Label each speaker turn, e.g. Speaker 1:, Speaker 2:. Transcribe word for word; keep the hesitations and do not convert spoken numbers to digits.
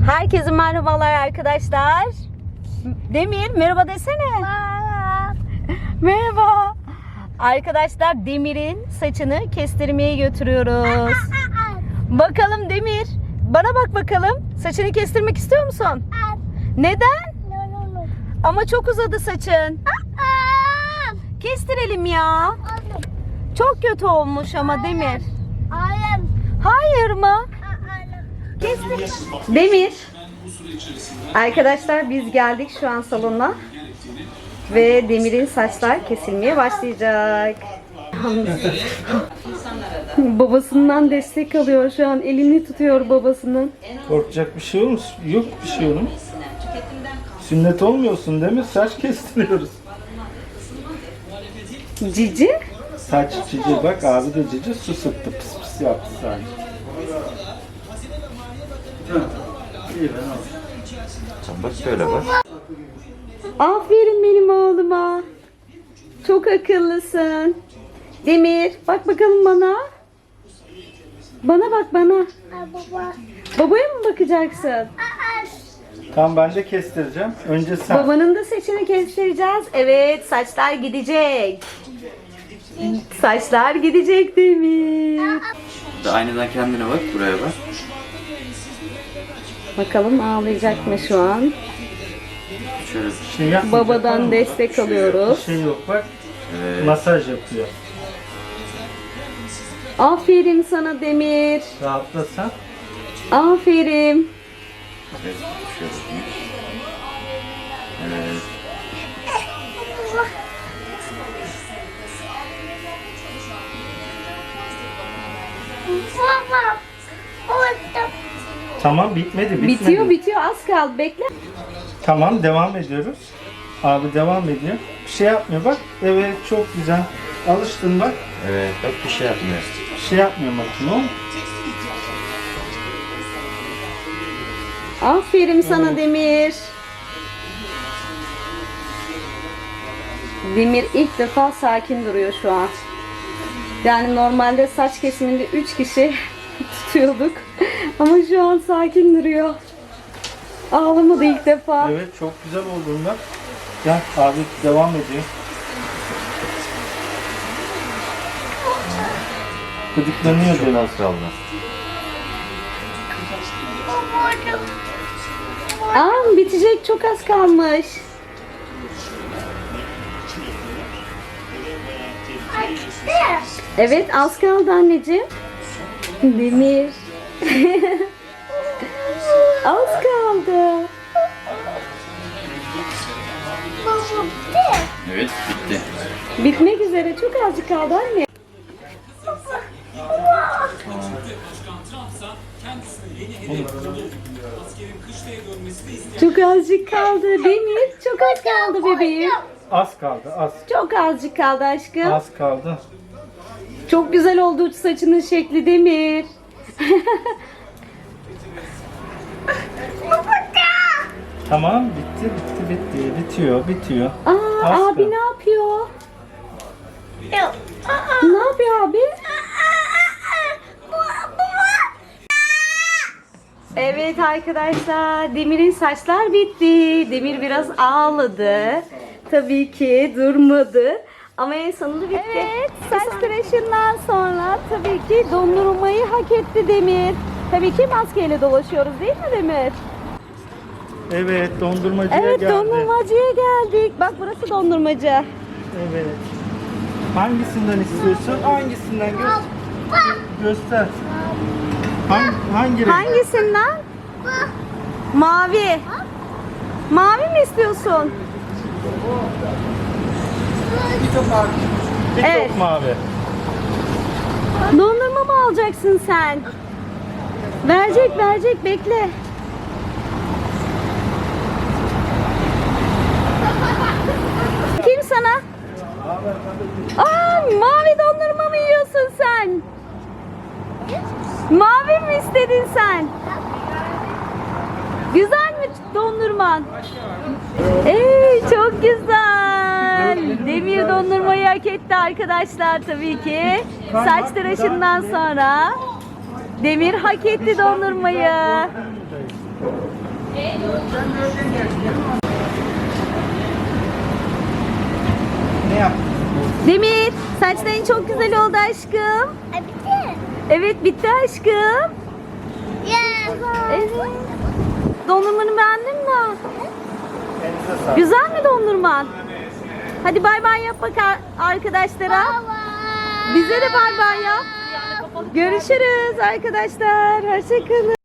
Speaker 1: Herkese merhabalar arkadaşlar. Demir merhaba desene. Merhaba. Arkadaşlar Demir'in saçını kestirmeye götürüyoruz. Bakalım Demir. Bana bak bakalım. Saçını kestirmek istiyor musun? Neden? Ama çok uzadı saçın. Kestirelim ya. Çok kötü olmuş ama Demir. Hayır mı? Kestir. Demir. Arkadaşlar biz geldik şu an salona. Ve Demir'in saçlar kesilmeye başlayacak. Babasından destek alıyor şu an. Elini tutuyor babasının.
Speaker 2: Korkacak bir şey olmuş. Yok bir şey onun. Sünnet olmuyorsun değil mi? Saç kestiriyoruz.
Speaker 1: Cici.
Speaker 2: Saç cici bak, abi de cici su sıktı, pıs pıs yaptı sadece.
Speaker 3: Bak şöyle bak.
Speaker 1: Aferin benim oğluma. Çok akıllısın. Demir bak bakalım bana. Bana bak bana. Babaya mı bakacaksın?
Speaker 2: Tamam, ben de kestireceğim. Önce sen.
Speaker 1: Babanın da saçını kestireceğiz. Evet, saçlar gidecek. Saçlar gidecek Demir.
Speaker 3: Aynadan kendine bak, buraya bak.
Speaker 1: Bakalım ağlayacak mı şu an?
Speaker 3: Şöyle bir
Speaker 2: Şey yapmayacak,
Speaker 1: Babadan
Speaker 2: tamam mı?
Speaker 1: destek
Speaker 2: Bir
Speaker 1: alıyoruz.
Speaker 2: şey yok bak.
Speaker 3: Evet.
Speaker 2: Masaj yapıyor.
Speaker 1: Aferin sana Demir.
Speaker 2: Rahatla sen.
Speaker 1: Aferin.
Speaker 3: Evet, şöyle. Evet.
Speaker 2: Tamam, bitmedi bitmedi.
Speaker 1: Bitiyor bitiyor az kaldı bekle.
Speaker 2: Tamam, devam ediyoruz. Abi devam ediyor. Bir şey yapmıyor bak. Evet, çok güzel. Alıştın bak.
Speaker 3: Evet, bak bir şey yapmıyor.
Speaker 2: Bir şey yapmıyor makine o.
Speaker 1: Aferin sana Demir. Demir ilk defa sakin duruyor şu an. Yani normalde saç kesiminde üç kişi tutuyorduk. Ama şu an sakin duruyor. Ağlamadı ilk defa.
Speaker 2: Evet, çok güzel olduğunda. Gel abi, devam ediyor. Gıdıklanıyor
Speaker 3: Çok
Speaker 2: biraz.
Speaker 3: az kaldı.
Speaker 1: Aa, bitecek, çok az kalmış. Evet, az kaldı anneciğim. Demir. Az kaldı.
Speaker 3: Evet, bitti.
Speaker 1: Bitmek üzere, çok azıcık kaldı anne. Çok azıcık kaldı Demir. Çok az kaldı bebeğim.
Speaker 2: Az kaldı, az.
Speaker 1: Çok azıcık kaldı aşkım.
Speaker 2: Az kaldı.
Speaker 1: Çok güzel oldu saçının şekli Demir.
Speaker 2: Tamam, bitti, bitti, bitti. Bitiyor, bitiyor.
Speaker 1: Aa,
Speaker 2: Az
Speaker 1: abi
Speaker 2: kaldı.
Speaker 1: ne yapıyor? Ne yapıyor abi? Evet arkadaşlar, Demir'in saçlar bitti. Demir biraz ağladı. Tabii ki durmadı. Ama en sonunda bitti. Evet, saç tıraşından sonra tabii ki dondurmayı hak etti Demir. Tabii ki maskeyle dolaşıyoruz değil mi Demir?
Speaker 2: Evet, dondurmacıya
Speaker 1: Evet,
Speaker 2: geldi.
Speaker 1: dondurmacıya geldik. Bak burası dondurmacı.
Speaker 2: Evet. Hangisinden istiyorsun? Hangisinden gö göster. Hangi, hangi renk?
Speaker 1: Hangisinden? Mavi. Mavi mi istiyorsun?
Speaker 2: Bir top
Speaker 1: Evet.
Speaker 2: mavi.
Speaker 1: Dondurma mı alacaksın sen? Verecek verecek bekle. Kim sana? Aa, mavi dondurma mı yiyorsun sen? Mavi mi istedin sen? Güzel mi dondurman? Ey çok güzel. Demir dondurmayı hak etti arkadaşlar tabii ki. Saç tıraşından sonra Demir hak etti dondurmayı.
Speaker 2: Ne yaptın?
Speaker 1: Demir, saçların çok güzel oldu aşkım.
Speaker 4: Ay bitti.
Speaker 1: Evet, bitti aşkım.
Speaker 4: Ya.
Speaker 1: Evet. Dondurmanı beğendin mi?
Speaker 2: Elinize sağlık.
Speaker 1: Güzel mi dondurman? Hadi bay bay yap bak ar- arkadaşlara. Bize de bay bay yap. Görüşürüz arkadaşlar. Hoşçakalın.